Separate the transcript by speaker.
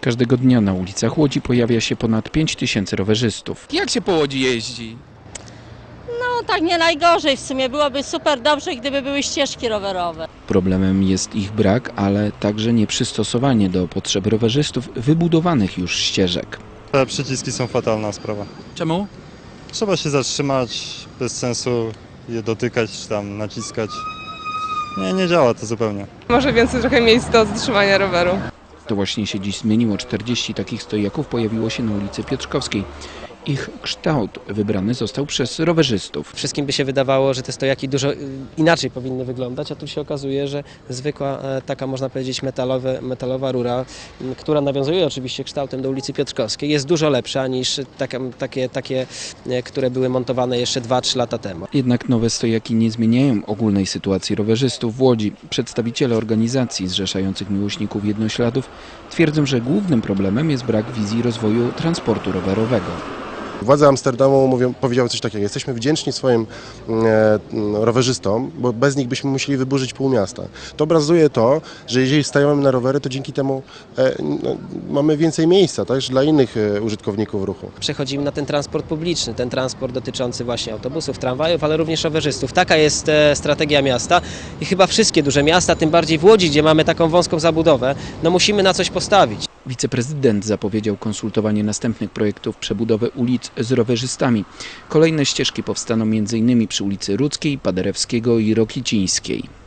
Speaker 1: Każdego dnia na ulicach Łodzi pojawia się ponad 5000 rowerzystów.
Speaker 2: Jak się po Łodzi jeździ?
Speaker 3: No tak nie najgorzej, w sumie byłoby super dobrze, gdyby były ścieżki rowerowe.
Speaker 1: Problemem jest ich brak, ale także nieprzystosowanie do potrzeb rowerzystów wybudowanych już ścieżek.
Speaker 4: Te przyciski są fatalna sprawa.
Speaker 2: Czemu?
Speaker 4: Trzeba się zatrzymać, bez sensu je dotykać czy tam naciskać. Nie działa to zupełnie.
Speaker 5: Może więcej trochę miejsc do zatrzymania roweru.
Speaker 1: To właśnie się dziś zmieniło. 40 takich stojaków pojawiło się na ulicy Piotrkowskiej. Ich kształt wybrany został przez rowerzystów.
Speaker 6: Wszystkim by się wydawało, że te stojaki dużo inaczej powinny wyglądać, a tu się okazuje, że zwykła taka, można powiedzieć, metalowa rura, która nawiązuje oczywiście kształtem do ulicy Piotrkowskiej, jest dużo lepsza niż takie, które były montowane jeszcze 2-3 lata temu.
Speaker 1: Jednak nowe stojaki nie zmieniają ogólnej sytuacji rowerzystów w Łodzi. Przedstawiciele organizacji zrzeszających miłośników jednośladów twierdzą, że głównym problemem jest brak wizji rozwoju transportu rowerowego.
Speaker 7: Władze Amsterdamu powiedziały coś takiego: jesteśmy wdzięczni swoim rowerzystom, bo bez nich byśmy musieli wyburzyć pół miasta. To obrazuje to, że jeżeli stajemy na rowery, to dzięki temu mamy więcej miejsca także dla innych użytkowników ruchu.
Speaker 6: Przechodzimy na ten transport publiczny, ten transport dotyczący właśnie autobusów, tramwajów, ale również rowerzystów. Taka jest strategia miasta i chyba wszystkie duże miasta, tym bardziej w Łodzi, gdzie mamy taką wąską zabudowę, no musimy na coś postawić.
Speaker 1: Wiceprezydent zapowiedział konsultowanie następnych projektów przebudowy ulic z rowerzystami. Kolejne ścieżki powstaną m.in. przy ulicy Rudzkiej, Paderewskiego i Rokicińskiej.